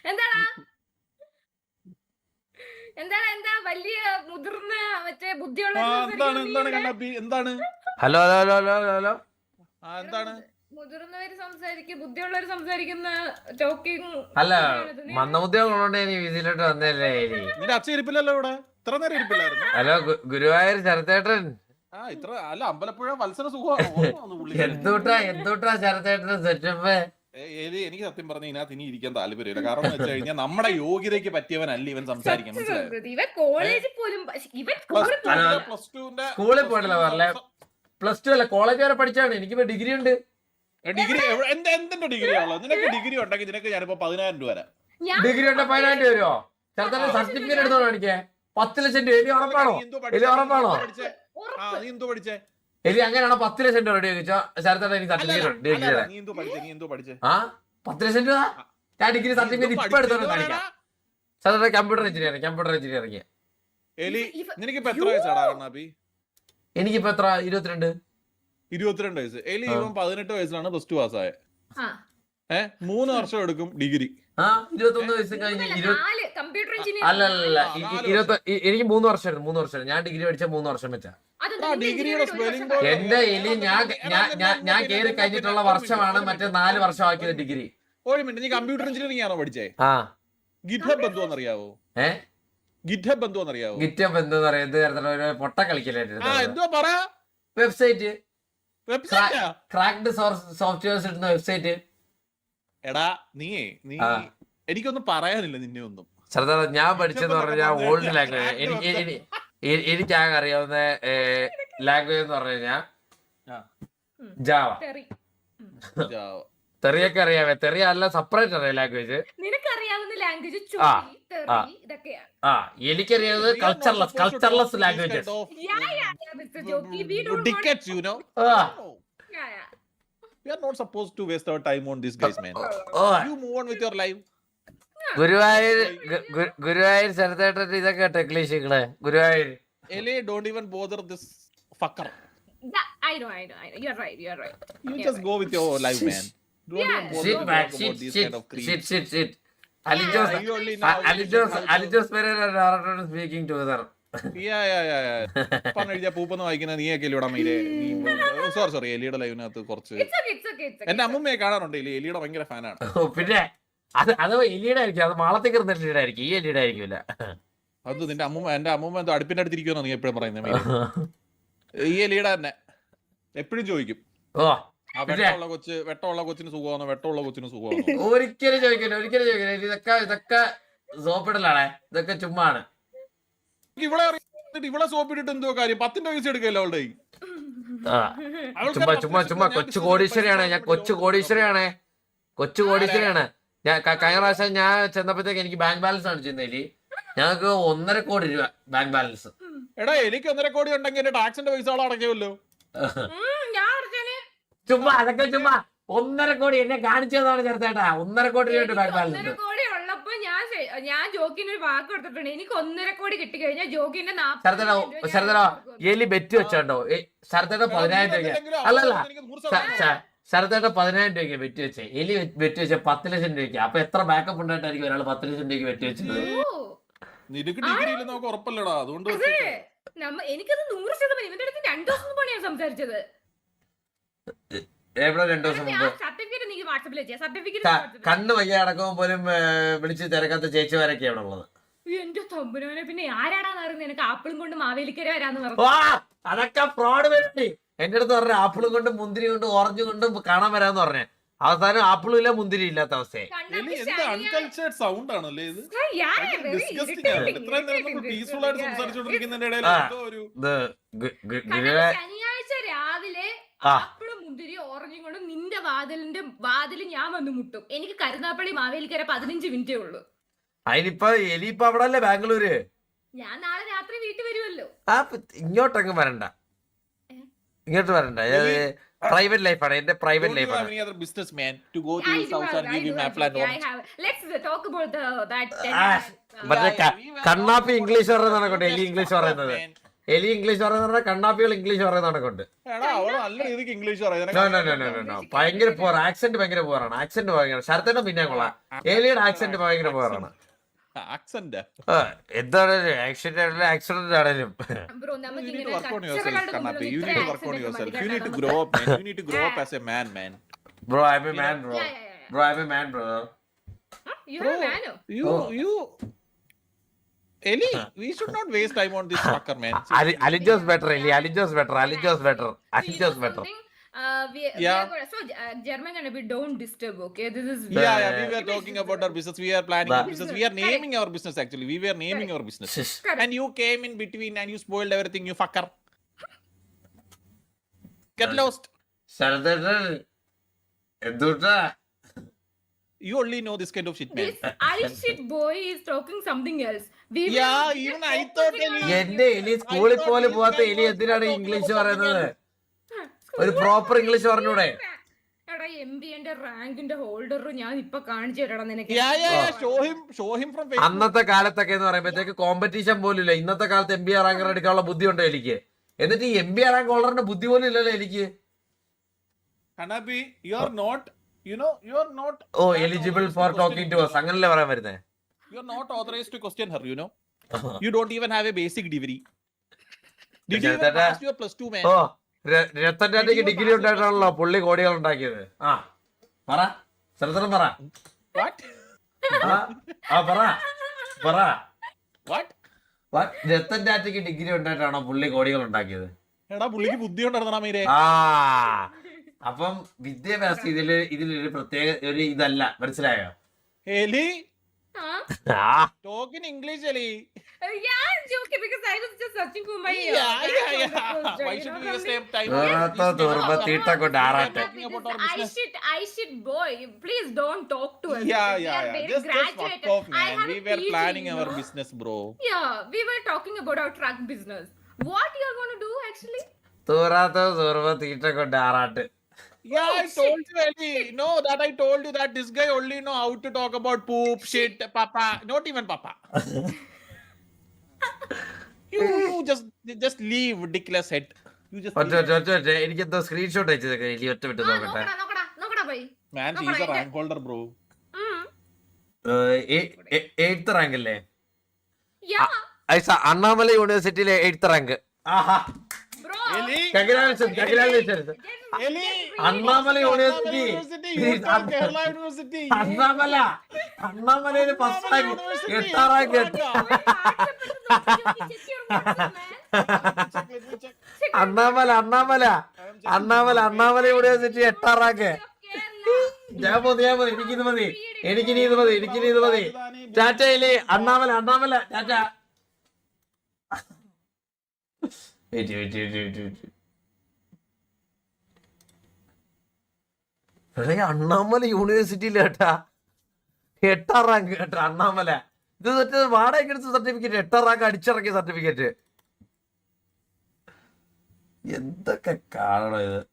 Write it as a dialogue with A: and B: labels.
A: എന്താടാ എന്താണ് എന്താ വലിയ മുതിർന്ന മറ്റേ ബുദ്ധിയുള്ള
B: എന്താണ്
C: hello hello hello hello hello
B: എന്താണ്
A: മുതിർന്നവര് സംസാരിക്കും ബുദ്ധിയുള്ളവര് സംസാരിക്കുന്ന ടോക്കിംഗ്.
C: അല്ല മന്ദബുദ്ധികളുള്ളതുകൊണ്ട് ഞാൻ ഇതിലോട്ട് വന്നല്ലേ എലി.
B: നിന്റെ അച്ഛൻ ഇരിപ്പില്ലല്ലോ ഇവിടെ ഇത്ര നേരം ഇരിപ്പില്ലായിരുന്നു.
C: ഹലോ ഗുരുവായൂർ ശരത്തേട്ടൻ.
B: ഇത്ര അല്ല അമ്പലപ്പുഴ വത്സര സുഖമാണ്.
C: എന്തൂട്ടാ ശരത്തേട്ടന് സെറ്റപ്പ്.
B: എനിക്ക് സത്യം പറഞ്ഞ ഇതിനകത്ത് ഇനി ഇരിക്കാൻ താല്പര്യമില്ല. കാരണം എന്ന് വെച്ച് കഴിഞ്ഞാൽ നമ്മുടെ യോഗ്യതയ്ക്ക് പറ്റിയവനല്ല ഇവൻ സംസാരിക്കാൻ.
C: സ്കൂളിൽ പോയിട്ടില്ല പറഞ്ഞ പ്ലസ് ടു അല്ല കോളേജ് വരെ പഠിച്ചാണ്. എനിക്ക് ഡിഗ്രി ഉണ്ട്.
B: ഡിഗ്രി എന്തിന്റെ ഡിഗ്രി ആണല്ലോ? നിനക്ക് ഡിഗ്രി ഉണ്ടെങ്കിൽ നിനക്ക് ഞാനിപ്പോ 10,000 രൂപ തരാം.
C: ഡിഗ്രി ഉണ്ട് 10,000 വരുമോ? ചേർത്തന്നെ സർട്ടിഫിക്കറ്റ് എടുത്തോളൂ എനിക്ക് 10 ലക്ഷം രൂപ. എലി ഉറപ്പാണോ? എലി ഉറപ്പാണോ?
B: നീ എന്തോ പഠിച്ചേ?
C: എലി അങ്ങനെയാണോ 10 ലക്ഷം രൂപ റെഡി ചോദിച്ചോ ചേർത്തന്നെ എനിക്ക് സർട്ടിഫിക്കറ്റ് ഡിഗ്രി തരാം.
B: നീ എന്തോ പഠിച്ചേ?
C: 10 ലക്ഷം രൂപ ഞാൻ ഡിഗ്രി സർട്ടിഫിക്കറ്റ് ഇപ്പൊ എടുത്തോണ്ട് കാണിക്കാം. ചേർത്തന്നെ കമ്പ്യൂട്ടർ എഞ്ചിനീയറിംഗ്.
B: എലി നിനക്കിപ്പോ എത്ര വയസ്സാടാ കണ്ണാപ്പി?
C: എനിക്കിപ്പോ എത്ര
B: 22 വയസ്സ്. എലി ഇവൻ 18 വയസ്സിലാണ് പ്ലസ് ടു പാസ്സായത്. 3 വർഷം എടുക്കും ഡിഗ്രി.
C: 21 വയസ്സ് കഴിഞ്ഞ് അല്ലല്ല എനിക്ക് 3 വർഷം. ഞാൻ ഡിഗ്രി പഠിച്ച 3 വർഷം വെച്ചാ.
B: ഡിഗ്രിയുടെ സ്പെല്ലിംഗ്
C: എന്റെ എലി ഞാൻ കേറി കഴിഞ്ഞിട്ടുള്ള വർഷമാണ് മറ്റേ 4 വർഷം ആക്കിയത് ഡിഗ്രി.
B: ഒരു മിനിറ്റ്, നീ കമ്പ്യൂട്ടർ എഞ്ചിനീയറിംഗ് ആണോ പഠിച്ചേ? ഗിറ്റ്ഹബ് എന്തുവാന്നറിയാവോ? ഗിറ്റ്ഹബ് എന്തുവാന്നറിയാവോ?
C: ഗിറ്റപ്പ് എന്തെന്ന് പറയുന്നത് പൊട്ട കളിക്കലായിരുന്നു.
B: എന്തുവാ പറ?
C: വെബ്സൈറ്റ് ക്രാക്ഡ് സോഫ്റ്റ്വെയർസ് ഇടുന്ന വെബ്സൈറ്റ്.
B: എടാ നീ എനിക്കൊന്നും പറയാനില്ല നിന്നെ ഒന്നും.
C: ഞാൻ പഠിച്ചെന്ന് പറഞ്ഞാൽ ഓൾഡ് ലാംഗ്വേജ്. എനിക്കാകെ അറിയാവുന്ന ലാംഗ്വേജ് എന്ന് പറഞ്ഞു കഴിഞ്ഞാൽ ജാവ. തെറിയൊക്കെ അറിയാവേ. തെറിയ അല്ല സെപ്പറേറ്റ് അറിയാം ലാംഗ്വേജ്. എനിക്കറിയാവുന്നത് cultureless languages.
B: We are not supposed to waste our time on these guys, man. You move on with your life.
C: Guruvayur ശരത്തേട്ടൻ ഇതൊക്കെ ടെക്നീഷ്യങ്ങള്. Guruvayur
B: Eli, don't even bother this fucker.
A: I know. You're right.
B: You just go with your life, man. Don't even bother about these kind of creeps.
C: shit. Alijos Pereira speaking together.
B: പറഞ്ഞ പൂപ്പൊന്ന് വായിക്കുന്ന നീയൊക്കെ ഇവിടെ മയിലേ. Sorry എലിയുടെ ലൈവിനകത്ത് കുറച്ച് എന്റെ അമ്മൂമ്മയെ കാണാറുണ്ട്. എലിയുടെ ഭയങ്കര ഫാനാണ്.
C: പിന്നെ അത് എലിയുടെ ആയിരിക്കും. അത് മാളത്തേക്ക് എലിയുടെ ആയിരിക്കും. ഈ എലിയുടെ ആയിരിക്കില്ല.
B: അത് നിന്റെ എന്റെ അമ്മൂമ്മ എന്തോ അടുപ്പിന്റെ അടുത്തിരിക്കുമെന്നോ നീ എപ്പോഴും പറയുന്നത്? ഈ എലിയുടെ തന്നെ എപ്പോഴും ചോദിക്കും വെട്ടമുള്ള കൊച്ചിന് സുഖമാണോ, വെട്ടമുള്ള കൊച്ചിന് സുഖമാണോ.
C: ഒരിക്കലും ചോദിക്കില്ല. ഇതൊക്കെ സോപ്പിടലാണ്. ഇതൊക്കെ ചുമ്മാണ്.
B: ഇവിടെ സോപ്പിട്ടിട്ട് എന്തോ കാര്യം? 10 പൈസ എടുക്കല്ലോ അവളുടെ.
C: ചുമ്മാ കൊച്ചു കോടീശ്വരിയാണ് ഞാൻ. കൊച്ചു കോടീശ്വരിയാണ് ഞാൻ. കഴിഞ്ഞ പ്രാവശ്യം ഞാൻ ചെന്നപ്പോഴത്തേക്ക് എനിക്ക് ബാങ്ക് ബാലൻസ് ആണ് ചെന്നേലി. ഞങ്ങൾക്ക് 1.5 കോടി രൂപ ബാങ്ക് ബാലൻസ്.
B: എടാ എനിക്ക് 1.5 കോടി ഉണ്ടെങ്കിൽ എന്റെ ടാക്സിന്റെ പൈസ അടയ്ക്കുമല്ലോ.
C: അതൊക്കെ 1.5 കോടി എന്നെ കാണിച്ചതാണ് ചേർത്തേട്ടാ. 1.5 കോടി രൂപ ബാങ്ക് ബാലൻസ്.
A: ഞാൻ ജോക്കിന് ഒരു വാക്ക് കൊടുത്തിട്ടുണ്ട്. എനിക്ക് 1.5 കോടി കിട്ടി കഴിഞ്ഞാൽ ജോക്കിന്റെ
C: ശരതരോ എലി ബെറ്റ് വെച്ചോണ്ടോ? ശരത്തേട്ട 10,000 രൂപ അല്ലല്ല ശരത്തേട്ട 10,000 രൂപയ്ക്ക് ബെറ്റ് വെച്ചേ. എലി ബെറ്റ് വെച്ച 10 ലക്ഷം രൂപയ്ക്ക്. അപ്പൊ എത്ര ബാക്കപ്പ് ഉണ്ടായിട്ടായിരിക്കും ഒരാൾ 10 ലക്ഷം രൂപയ്ക്ക് ബെറ്റ് വെച്ചത്?
B: നിനക്ക് ഡിഗ്രി ഇല്ലെന്ന് നമുക്ക് ഉറപ്പല്ലടാ. അതുകൊണ്ട്
A: എനിക്കത് 100% ഇവന്റെ അടുത്ത് 2 ദിവസം മുമ്പാണ് ഞാൻ സംസാരിച്ചത്.
C: എവിടെ 2 ദിവസം മുമ്പ് കണ്ണ് വയ്യ അടക്കം പോലും വിളിച്ച് തിരക്കാത്ത ചേച്ചിമാരൊക്കെ അവിടെ ഉള്ളത്.
A: എന്റെ തമ്പുരാനെ, പിന്നെ ആരാടാന്ന് അറിയുന്നത്? എനിക്ക് ആപ്പിളും കൊണ്ട് മാവേലിക്കര വരാന്ന് പറഞ്ഞു.
C: അതൊക്കെ ഫ്രോഡ് വേണ്ടി എന്റെ അടുത്ത് പറഞ്ഞു. ആപ്പിളും കൊണ്ടും മുന്തിരി കൊണ്ടും ഓറഞ്ച് കൊണ്ടും കാണാൻ വരാന്ന് പറഞ്ഞേ. അവസാനം ആപ്പിളും ഇല്ല മുന്തിരി ഇല്ലാത്ത അവസ്ഥയെ.
A: ശനിയാഴ്ച രാവിലെ ആപ്പിളും മുന്തിരി ഓറഞ്ചും കൊണ്ട് നിന്റെ വാതിൽ ഞാൻ വന്ന് മുട്ടും. എനിക്ക് കരുനാപ്പള്ളി മാവേലിക്കര 15 മിനിറ്റേ ഉള്ളൂ.
C: അതിനിപ്പോ എലിപ്പ അവിടെ അല്ലേ ബാംഗ്ലൂര്.
A: ഞാൻ നാളെ രാത്രി വീട്ടിൽ വരുമല്ലോ.
C: ഇങ്ങോട്ടങ്ങ് വരണ്ട. പ്രൈവറ്റ് ലൈഫാണ്. എന്റെ പ്രൈവറ്റ് ലൈഫാണ്. മറ്റേ കണ്ണാപ്പി ഇംഗ്ലീഷ് പറയുന്നതാണ്. എലി ഇംഗ്ലീഷ് പറയുന്നത്. എലി ഇംഗ്ലീഷ് പറയുന്ന കണ്ണാപ്പികൾ ഇംഗ്ലീഷ് പറയുന്നതൊക്കെ ഉണ്ട്.
B: എടാ അവള് നല്ല രീതിക്ക് ഇംഗ്ലീഷ്
C: ഭയങ്കര പോർ ആക്സെന്റ് ഭയങ്കര പോറാണ്. ആക്സെന്റ് ഭയങ്കര ശരത്തേട്ടൻ പിന്നെ കൊള്ളാം. എലിയുടെ ആക്സെന്റ് ഭയങ്കര പോറാണ്.
B: ആക്സെന്റ്
C: എന്താണ് ആക്സെന്റ് ആണെങ്കിലും
A: ബ്രോ നമുക്ക്
B: You need to
A: ഇങ്ങനെ
B: work on yourself,
A: കച്ചറകളുടെ
B: Kannapi.
A: മുമ്പിൽ
B: You need to work on yourself. You need to grow up, man. You need to grow up as a man, man.
C: Bro I am a man bro. Bro I am a man bro.
A: You are a man.
B: You, Eli, we should not waste time on this fucker, man.
C: Alijos better Eli. Alijos better. Alijos better. Alijos better.
A: German and we don't disturb, okay? This is
B: Yeah, we were talking about our business. We are planning our business. We are naming our business, actually. We were naming our business. And you came in between and you spoiled everything, you fucker. Get lost.
C: ശരത്തേട്ടൻ എന്തുട്ടാ
B: You only know this kind of shit, man.
A: this I shit boy is talking something else. We will
B: Yeah,
A: be
B: even I
A: focusing
B: thought
A: on
B: Eli-
C: എന്റെ എലി സ്കൂളിൽ പോലും പോവാത്ത എലി എന്തിനാണ് English പറയുന്നത്? ഒരു പ്രോപ്പർ ഇംഗ്ലീഷ് പറഞ്ഞൂടെ?
A: എടാ എംബിന്റെ റാങ്കിന്റെ ഹോൾഡർ ഞാൻ ഇപ്പൊ കാണിച്ചു തരാടാ നിനക്ക്.
B: Yeah. Show him from Facebook.
C: അന്നത്തെ കാലത്തൊക്കെ എന്ന് പറയുമ്പോഴത്തേക്ക് കോമ്പറ്റീഷൻ പോലും ഇല്ല. ഇന്നത്തെ കാലത്ത് എം ബി ആർ റാങ്കർ എടുക്കാനുള്ള ബുദ്ധി ഉണ്ടോ എനിക്ക്? എന്നിട്ട് ഈ എം ബി ആർ റാങ്ക് ഹോൾഡറിന്റെ ബുദ്ധി പോലും ഇല്ലല്ലോ എനിക്ക്.
B: Kannapi, you're not, you're not.
C: Oh eligible for talking to us അങ്ങനല്ലേ പറയാൻ വരുന്നേ?
B: You're not authorized to question her, You don't even have a basic degree. Did you even
C: That-
B: pass your plus 2, man?
C: ഓ രത്തന്റെ degree ഉണ്ടായിട്ടാണല്ലോ പുള്ളി കോടികൾ ഉണ്ടാക്കിയത്. ആ പറ സ്ഥലത്തരം പറ.
B: What?
C: പറ
B: What?
C: രത്തൻ ടാറ്റയ്ക്ക് ഡിഗ്രി ഉണ്ടായിട്ടാണോ പുള്ളി കോടികൾ ഉണ്ടാക്കിയത്?
B: എടാ പുള്ളിക്ക് ബുദ്ധി ഉണ്ടായിരുന്നാ മീരെ.
C: ആ അപ്പം വിദ്യാഭ്യാസം ഇതിലൊരു പ്രത്യേക ഒരു ഇതല്ല, മനസ്സിലായോ?
B: Eli,
A: Huh?
B: talk in English, Eli.
A: Yeah, I'm joking because I was just searching for my
B: Yeah. Why should we waste time?
C: തീട്ട കൊണ്ട് ആറാട്ടെ.
B: Talking about our business.
A: I shit boy. Please don't talk to us.
B: Yeah.
A: We are very
B: Just
A: graduated.
B: fuck off,
A: I
B: man.
A: have
B: We
A: a
B: were
A: PG,
B: planning
A: you
B: our
A: know?
B: business, bro.
A: Yeah, we were talking about our truck business. What you are going to do actually?
C: തീട്ട കൊണ്ട് ആറാട്ട്.
B: Yeah, I told you, Eli. No, that I told you that this guy only know how to talk about poop, shit, papa. Not even papa. You just leave ridiculous head. You just leave.
C: എനിക്കെന്തോ screenshot അയച്ചതൊക്കെ Eli ഒറ്റ വിട്ട് നോക്കട്ടെ.
A: നോക്കടാ boy.
B: Man, she's a rank holder, bro.
C: 8th rank അല്ലേ?
A: Yeah,
C: Annamalai യൂണിവേഴ്സിറ്റിയിലെ 8th rank. ആഹാ
A: bro.
B: Eli.
C: Congratulations.
B: Eli.
C: Annamalai university.
B: Kerala University.
C: അണ്ണാമലയില് 1st rank 8th rank. Annamalai university 8th rank. ഞാൻ മതി എനിക്കിനി ഇത് മതി. ടാറ്റയില് അണ്ണാമല ടാറ്റ. അണ്ണാമല യൂണിവേഴ്സിറ്റിയില് കേട്ടാ 8th റാങ്ക് കേട്ടാ അണ്ണാമല. ഇത് വാടക എടുത്ത സർട്ടിഫിക്കറ്റ്, 8th റാങ്ക് അടിച്ചിറക്കിയ സർട്ടിഫിക്കറ്റ്. എന്തൊക്കെ കാണണം ഇത്.